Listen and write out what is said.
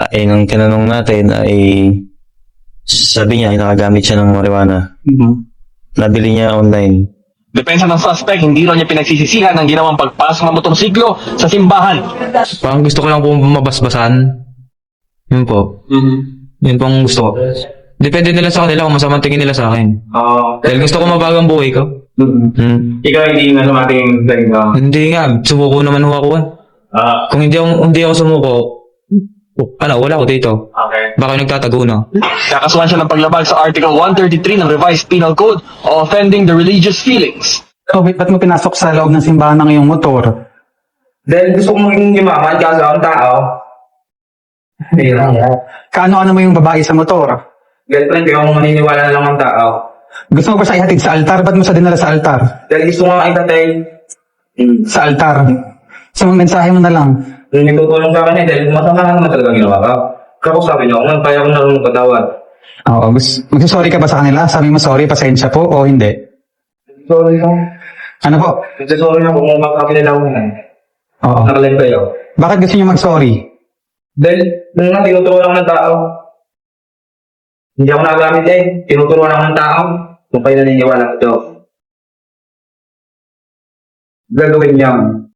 nung tinanong natin ay sabi niya, nakagamit siya ng marijuana. Nabili niya online. Depensa ng suspect, hindi raw niya pinagsisisihan ang ginawang pagpasok ng motorsiklo sa simbahan. Parang gusto ko lang po mabasbasan. Yun po. Yun pong gusto ko. Depende nila sa kanila kung masamang tingin nila sa akin. Dahil gusto ko mabagang buhay ko. Ikaw hindi na sumating galing ka? Hindi nga, sumuko naman ho ako. Kung hindi ako sumuko, wala ako dito. Okay. Baka nagtatago na. Kakasuhan siya ng paglabag sa Article 133 ng Revised Penal Code o offending the religious feelings. So, ba't mo pinasok sa loob ng simbahan ng iyong motor? Dahil gusto ko maging yumaman, kaso akong tao. Kaano-ano mo yung babae sa motor? Girlfriend, kaya akong maniniwala na lang ang tao. Gusto mo ba siya ihatid sa altar? Ba't mo siya dinala sa altar? Dahil gusto ko nga itatay. Sa altar. So, mensahe mo na lang. Yung nagtutulong sa akin dahil masama na naman talaga ginawa ka. Kako sabi niyo, kung kaya ko narunong patawad. Oo, magsasorry ka ba sa kanila? Sabi mo sorry, pasensya po o hindi? Sorry lang. Ano po? Sorry na kung makakilala ko na. Oo. Nakalive kayo. Bakit gusto niyo mag-sorry? Dahil, nung nga, tinuturuan ako ng tao. Hindi ako nagamit tinuturuan ako ng tao. Kung kayo naniniwala ito. Gagawin niya.